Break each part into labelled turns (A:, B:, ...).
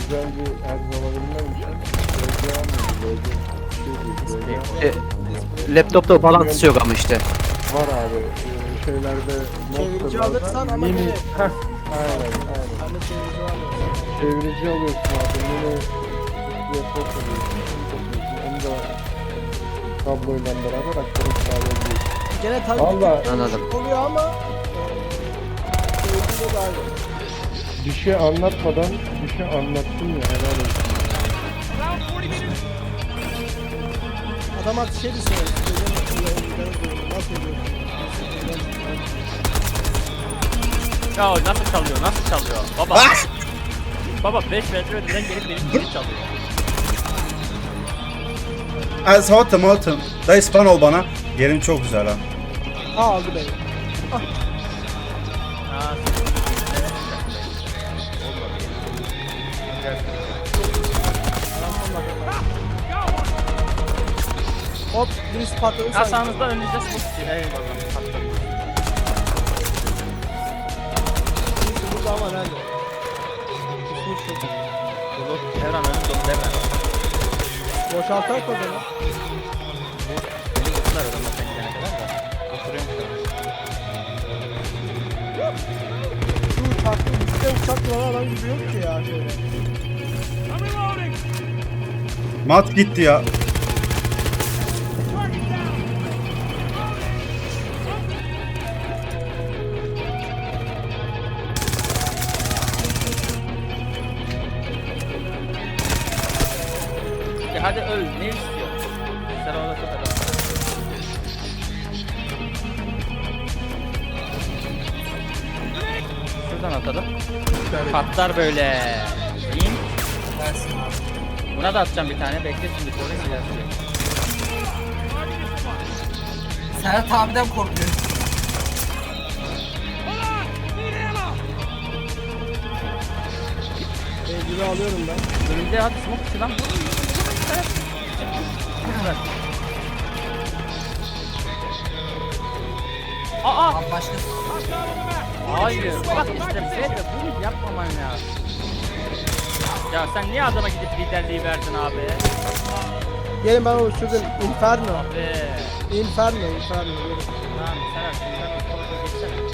A: güzel bir elbise alabilmem için LG almıyorum.
B: Laptopta bağlantısı yok ama işte.
A: Var abi. Şeylerde
C: Çevirici
A: noktalarda
C: alırsan ama
A: mini.
C: yine.
A: Heh, aynen.
C: Bende çevirici var ya.
A: Çevirici alıyorsun abi. Mini laptop alıyorsun. Onu da kabloyla beraber aktarıp sağlayabiliyorsun.
C: Gene tabii
A: Vallahi
B: Anladım.
C: oluyor ama çevirici de aynı.
A: bir şey anlatmadan bir şey anlattım ya, helal olsun.
C: Adam artık şey düşünüyor. Nasıl ediyor?
D: Ya nasıl çalıyor? Nasıl çalıyor? Baba. Baba 5 metre öteden gelip benim gibi çalıyor.
E: Saltım. Dayı span ol bana. Yerim çok güzel ha.
C: Aldı beni.
D: Ha,
C: Hop birisi patladı
D: ya
C: sanki.
D: sağınızda önünüzde smoke istiyor. Eyvallah.
C: Birisi burada ama nerede? Kusmuş çok.
D: Dolu. Devran önüm dolu devran.
C: Boşaltar o zaman.
D: Beni vurdular adamlar sen gidene kadar da. Oturuyorum şu an.
C: Şu uçakta üstte uçak duran adam gibi yok ki ya şöyle.
E: Mat gitti ya.
D: Ya hadi öl. Ne istiyor? Sen orada çok adam. Şuradan atalım. Patlar böyle. İn. Buna da atacağım bir tane. Bekle şimdi sonra silah.
F: Serhat abiden korkuyorum.
C: Gibi alıyorum ben.
D: Önümde hadi smoke dışı lan. Aa!
F: Abi başkası.
D: Hayır. Bak işte Fede bunu yapmaman lazım. Ya sen niye adama gidip liderliği verdin abi?
C: Gelin ben oluşturdum. Inferno.
D: Abi.
C: Inferno. Gelin.
D: Tamam sen artık sen o tarafa geçsene.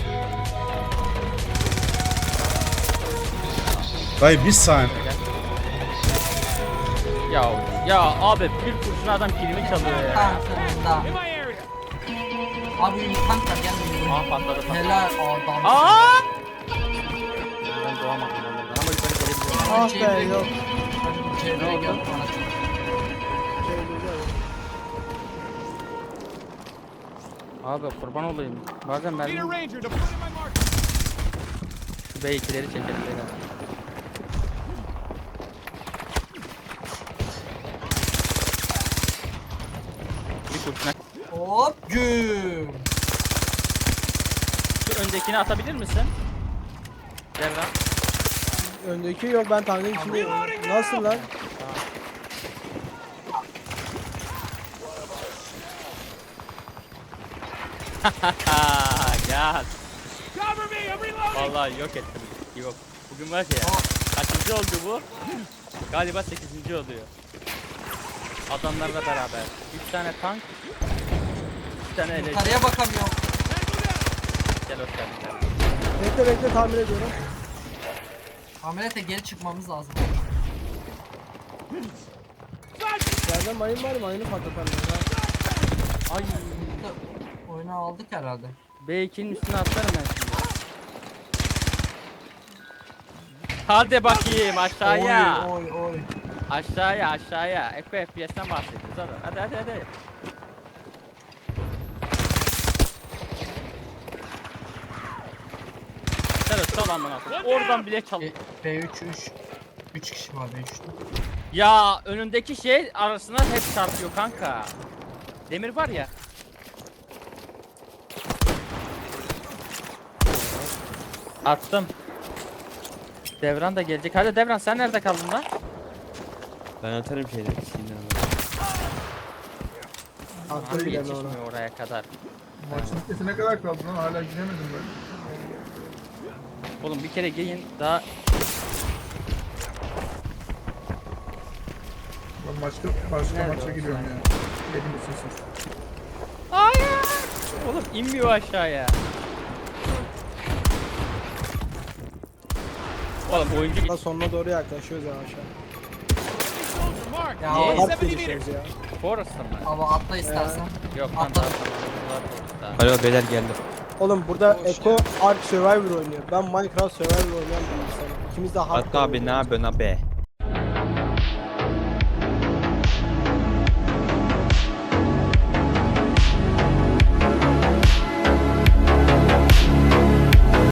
E: Dayı bir saniye.
D: Ya abi bir kurşun adam kilimi çalıyor ya.
F: Tamam sonunda. Abi tank var gel.
D: Aa patladı.
F: Helal adam.
D: Aa! Ben doğamadım ben buradan ama yukarı gelebiliyorum.
C: Ah be yok.
F: Çevreye gel bana.
D: Abi kurban olayım. Bazen ben şu B2'leri çekelim beyler. Bir kurşuna.
F: Hop güm.
D: Şu öndekini atabilir misin? Devran.
C: Öndeki yok ben tankın içindeyim. Nasıl lan?
D: Gel. Vallahi yok ettim. Yok. Bugün var ya. Kaçıncı oldu bu? Galiba 8. oluyor. Adamlarla beraber. 3 tane tank. 2 tane ele.
F: Yukarıya bakamıyorum.
D: Gel hoş geldin.
C: Bekle tahmin ediyorum.
F: Ameliyata geri çıkmamız lazım.
C: Bende mayın var, mayını patlatalım.
D: Ay.
F: Oyunu aldık herhalde.
D: B2'nin üstüne atlarım ben şimdi. Hadi bakayım aşağıya.
F: Oy.
D: Aşağıya. Eko FPS'ten bahsediyoruz hadi. Hadi. Evet çal amına koyayım. Oradan bile çal.
F: B3 3 kişi var B3'te.
D: Ya önündeki şey arasına hep çarpıyor kanka. Demir var ya. Attım. Devran da gelecek. Hadi Devran sen nerede kaldın lan?
G: Ben atarım şeyleri.
C: Attım
D: Harbi
C: bile ona.
D: yetişmiyor oraya kadar.
H: Maçın bitmesi ne kadar kaldı lan, hala giremedim ben.
D: Oğlum bir kere giyin daha
H: Başka maça giriyorum ya. Benim de sesim.
D: Hayır. Oğlum inmiyor aşağıya. Oğlum oyuncu
C: Daha sonuna doğru yaklaşıyoruz yavaş yavaş.
F: Ya
D: Niye?
F: o
C: Harp gelişiyoruz ya.
D: Forrest'ta mı?
F: hava atla istersen.
D: Yok lan
F: Atla.
D: daha tamam.
G: Alo beyler geldi.
C: Oğlum burada Eko Ark Survivor oynuyor. Ben Minecraft Survivor oynayan bir insanım. İkimiz de harp
G: Hatta abi ne yapıyorsun abi?